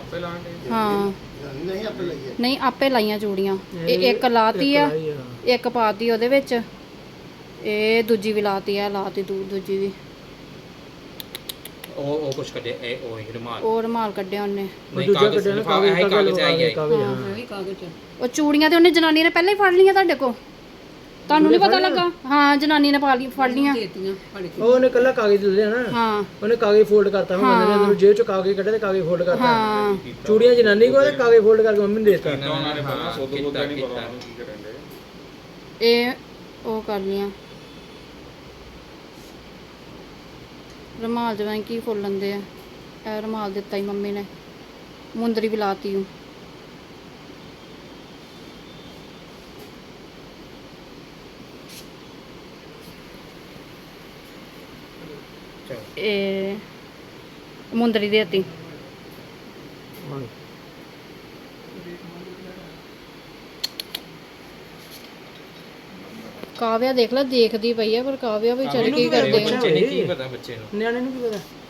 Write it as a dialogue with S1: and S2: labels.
S1: ਹਾਂ ਨਹੀਂ ਆਪੇ ਲਾਈਆਂ ਚੂੜੀਆਂ ਇਹ ਇੱਕ ਲਾਤੀ ਆ ਇੱਕ ਪਾਤੀ ਉਹਦੇ ਵਿੱਚ ਇਹ ਦੂਜੀ ਵੀ ਲਾਤੀ ਆ ਲਾਤੀ ਦੂਜੀ ਵੀ
S2: ਉਹ ਕੁਛ ਕੱਢਿਆ
S1: ਉਹ ਰੁਮਾਲ ਕੱਢਿਆ ਉਹਨੇ
S2: ਦੂਜਾ ਕੱਢਿਆ ਨਾ ਕਾਗਜ਼ ਆਈ
S1: ਉਹ ਚੂੜੀਆਂ ਤੇ ਉਹਨੇ ਜਨਾਨੀ ਨੇ ਪਹਿਲਾਂ ਹੀ ਫੜ ਲਈਆਂ ਤੁਹਾਡੇ ਕੋਲ ਤੁਹਾਨੂੰ ਨਹੀਂ ਪਤਾ ਲੱਗਾ ਹਾਂ ਜਨਾਨੀ ਨੇ ਫੜ ਲੀਆਂ
S3: ਉਹਨੇ ਕੱਲਾ ਕਾਗਜ਼ ਦੇ ਲਿਆ ਨਾ
S1: ਹਾਂ
S3: ਉਹਨੇ ਕਾਗਜ਼ ਫੋਲਡ ਕਰਤਾ ਹੁਣ ਬੰਦੇ ਨੇ ਅੰਦਰੋਂ ਜੇਬ ਚੋਂ ਕਾਗਜ਼ ਕੱਢੇ ਤੇ ਕਾਗਜ਼ ਫੋਲਡ ਕਰਤਾ
S1: ਹਾਂ
S3: ਚੂੜੀਆਂ ਜਨਾਨੀ ਕੋਲ ਤੇ ਕਾਗਜ਼ ਫੋਲਡ ਕਰਕੇ ਮੰਮੀ ਨੂੰ ਦੇ ਦਿੱਤਾ
S1: ਇਹ ਉਹ ਕਰ ਲੀਆਂ ਰੁਮਾਲ ਜਿਵੇਂ ਕੀ ਫੁੱਲ ਲੈਂਦੇ ਆ ਇਹ ਰੁਮਾਲ ਦਿੱਤਾ ਹੀ ਮੰਮੀ ਨੇ ਮੁੰਦਰੀ ਵੀ ਲਾਤੀ ਉਹ ਇਹ ਮੁੰਦਰੀ ਦੇਤੀ ਕਾਵਿਆ ਦੇਖ ਲੈ ਦੇਖਦੀ ਪਈ ਆ ਪਰ ਕਾਵਿਆ ਵੀ ਚੱਲ ਕੀ ਕਰਦੇ ਆ
S2: ਬੱਚੇ ਨੂੰ ਕੀ ਪਤਾ ਬੱਚੇ ਨੂੰ
S3: ਨਿਆਣੇ ਨੂੰ ਕੀ ਪਤਾ